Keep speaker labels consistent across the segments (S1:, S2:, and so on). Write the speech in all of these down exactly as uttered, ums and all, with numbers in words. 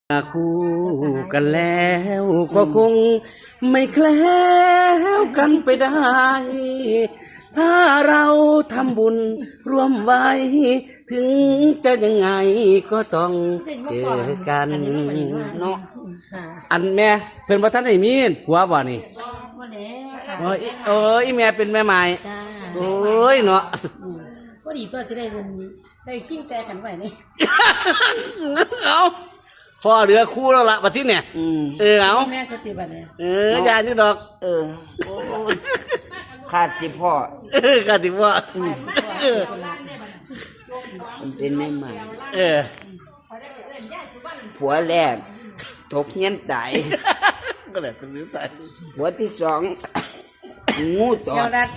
S1: คู่กันแล้วก็คงไม่แคล้วกันไปได้ ถ้าเราทำบุญร่วมไว้ ถึงจะยังไงก็ต้องเจอกันเนาะอันแม่เพิ่นบ่ทันได้มีผัวบ่นี่โอ้ยเอออีแม่เป็นแม่ไม้โอ้ยเนาะ
S2: ก็ดีตัวจะได้ได้ขิ้งแต่กันไว้นี่
S1: เอาพ่อเหลือคู่แล้วล่ะบัดนี้เนี่ยเออเอา
S2: แม่สติบัดเนี่ย
S1: เออยานี่ดอก
S3: เออขาดสิพ่อ
S1: เออขาดสิพ่อ
S3: มันเป็นแม่ใหม่
S1: เออ
S3: ผัวแรกตกเงี้ยนตาย
S1: ก็เลยต้องรู้ตาย
S3: ผัวที่สองงูตอด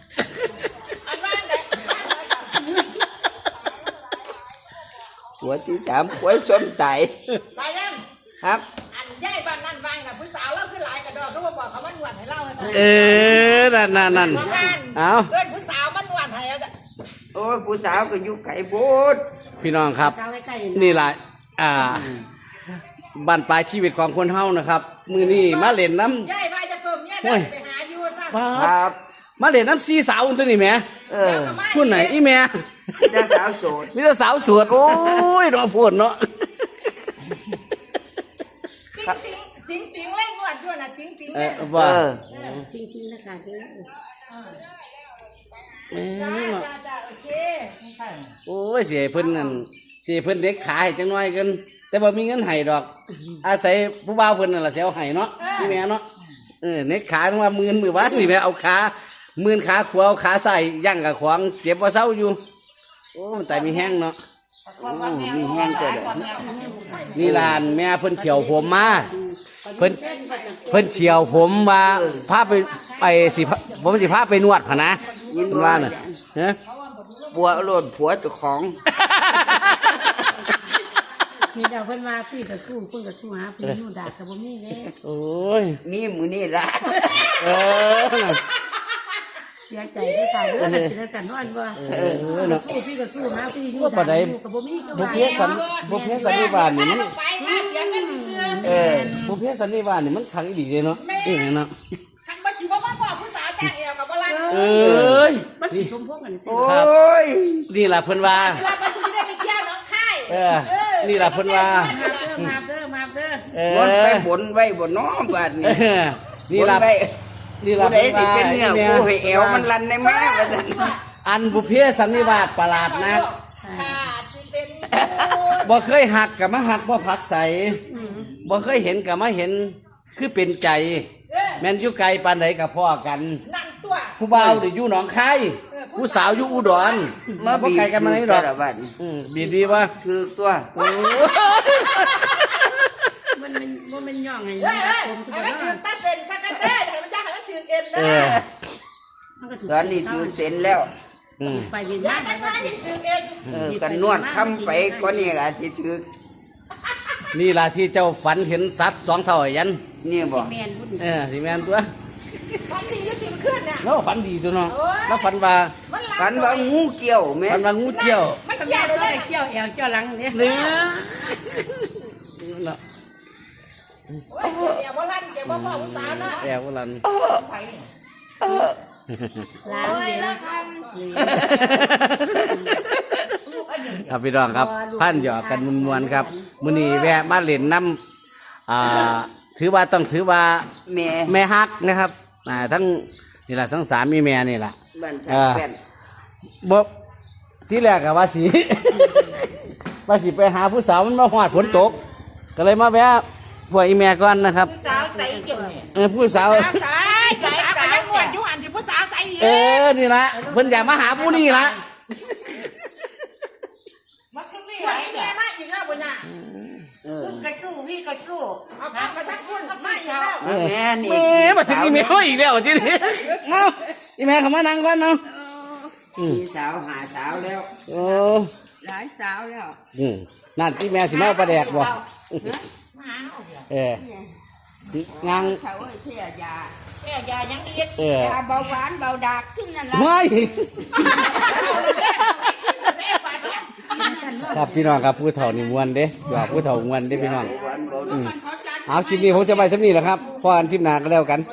S3: ผัวที่สามผัวส้มตาย
S4: ตายยัง
S3: ครับ
S4: อันใหญ่บ้านนั่นวางน่ะผู้สาวเล่าขึ้นหลายกระดอกก็มาบอกเขามันหวานให้เล่าให้ฟัง
S1: เออนั่นนั่นนั่นเอา
S4: เอิ้นผู้สาวมันหวานให้เอาจ้ะ
S3: โอ้ยผู้สาวก็อยู่ไกลโพด
S1: พี่น้องครับนี่แหละอ่าบ้านปลายชีวิตของคนเฮานะครับมือนี้มาเล่นน้
S4: ำใหญ่ไปจะเพิ่มเนี่ยเดินไปหาอยู่ซะ
S1: ครับมาเล่นน้ำซีสาวตัวนี้แม่
S3: เออ
S1: คุณไหนอีแม่
S3: มีสาวโสด
S1: มีแต่สาวโสดโอ้ยรอพูดเนาะ
S4: ติ๊งติ๊งเล่นงวดชั่วน่ะติ๊งติ๊ง
S1: เออว่า
S2: ซิงซิงนะคะเด้
S1: อ
S4: โอเค
S1: โอ้ยเสียเพิ่นนั่นเสียเพิ่นเด็กขายจังน้อยกันแต่บ่มีเงินให้ดอกอาศัยผู้บ่าวเพิ่นนั่นล่ะสิเอาให้เนาะที่แม่เนาะเออเน็กขาว่าหมื่นมื้อวานนี่แม่เอาขาหมื่นขาขวาเอาขาใส่ย่างกับขวางเจ็บบ่เซาอยู่โอ้มันตายมีแห้งเนาะ
S3: มีแห้งเกิด
S1: นี่ลานแม่เพิ่นเฉียวผมมาเพิ่นเพิ่นเฉียวผมว่าพาไปไปสิผมสิพาไปนวดพะนะยินว่าน่ะฮะ
S3: ผัวโลดผัวเจ้าของ
S2: มีดาวเพิ่นว่าพี่ก็สู้เพิ่นก็สู้หาพี่นู่นด่าก็บ่มีเด้
S1: โอ้ย
S3: มีมื้อนี้ล่ะ
S1: เออ
S2: เสียใจด้วยค่ะเด้อเป็นจังซั่นว่าว่าเออสู้พี่ก็สู้หาพี่นู่นด่าก็บ่มี
S1: บ่เพสันบ่เพสันนิบาตนี่มันเออบ่เพสันนิบาตนี่มันขังอีหลีเด้เนาะอีหยังเนาะ
S4: คันบ่สิบ่ว่าพ่อผู้สาวจ้างเอวกับบ่ลัง
S1: เอ้ย
S2: มันสิชมพวกกัน
S3: ซิโอ้ย
S1: นี่ล่ะเพิ่นว่า
S4: เวลาไปสิได้ไปเที่ยวน้องค่าย
S1: เออนี่ล่ะเพิ่นว่า
S2: มาเด้อมาเด้อ
S1: เออ
S3: วนไปบนไว้บ่น้อบัดนี้
S1: นี่ล่ะ
S3: นี่ล่ะผู้ใดสิเป็นเนื้อผู้ให้แอวมันลั่นได้แม่ว่าซั่น
S1: อันบุพเพสันนิวาสประหลาดนัก
S4: ค่ะสิเป็น
S1: บ่เคยหักก็มาหักบ่ผักใสบ่เคยเห็นก็มาเห็นคือเป็นใจแม่นอยู่ไกลปานใดก็พ้อกัน
S4: นั่นตัว
S1: ผู้บ่าวได้อยู่หนองคายผู้สาวอยู่อุดร
S3: มา
S1: บ่ไกลกันมาไหนดอกอือดีๆว่า
S3: คือตัว
S2: มันมันบ่แม่นย่องให้
S4: ผมสิบ่ถือตาเซ็นซักกันได้ให้มันจ้างให้มันถือเอ็นเด้อ
S3: มันก็ถือตอนนี้ถือเซ็นแล้ว
S2: อือไปเรียนมา
S4: ได้ถือเอ็น
S3: เออกันนวดค้ำไปก็นี่ก็สิถือ
S1: นี่ล่ะที่เจ้าฝันเห็นสัตว์สองเท่ายัน
S3: นี่บ่
S1: เออสิแม่นตัว
S4: ฝันดีอยู่ติมขึ้นน่ะ
S1: แล้วฝันดีตัวเนาะแล้วฝันว่า
S3: ฝันว่างูเกี่ยวแม่
S1: ฝันว่างูเกี่ยว
S2: มันเกี่ยวได้เกี่ยวแอวเกี่ยวหลังเนี่ย
S1: เนี่ย
S4: เนาะโอ้ยแอบบ่ลั่นแกบ่พ่อผู้สาวเนาะ
S1: แอบบ่ลั่น
S2: ล้างเลยแล้วท
S1: ำครับพี่น้องครับพันหยอกกันมวนๆครับมื้อนี้แวะมาเล่นน้ำอ่าถือว่าต้องถือว่า
S3: แม่
S1: แม่ฮักนะครับอ่าทั้งนี่แหละทั้งสามีแม่นี่แหละ
S3: เออ
S1: บ่ที่แรกก็ว่าสิว่าสิไปหาผู้สาวมันมาฮอดฝนตกก็เลยมาแวะพวกอีแม่ก่อนนะครับ
S4: ผู้สาวใจเกี่ยว
S1: เออผู้สาว
S4: ใจใจใจยังงวดอยู่หันที่ผู้สาวใจ
S1: เออนี่ละเพิ่นอยากมาหาผู้นี่ละ
S4: มันก็มีหลายแม่มาอีกแล้วบ่น่ะ
S3: เออกระจู้พี่กระจู้
S4: เอาปากกระชักคุณมาอีกแล้ว
S3: แม่นี่
S1: แม่มาถึงอีแม่อีกแล้วทีนี้เนาะอีแม่เข้ามานั่งก่อนเนาะ
S3: มีสาวหาสาวแล้ว
S1: โอ้
S2: หลายสาวแล้ว
S1: อืมนั่นที่แม่สิมาประแดกบ่เออยัง
S2: เขาเสียยา
S4: เสียยายังอีก
S2: ยาเบาหวานเบาดากขึ้นนั่นแหละ
S1: ไม่
S2: สั่นว่า
S1: ครับพี่น้องครับผู้เฒ่านี่มวนเด้หยอกผู้เฒ่ามวนเด้พี่น้องอืมเอาคลิปนี้ผมจะไปสักนี้แหละครับพออันคลิปหน้าก็แล้วกัน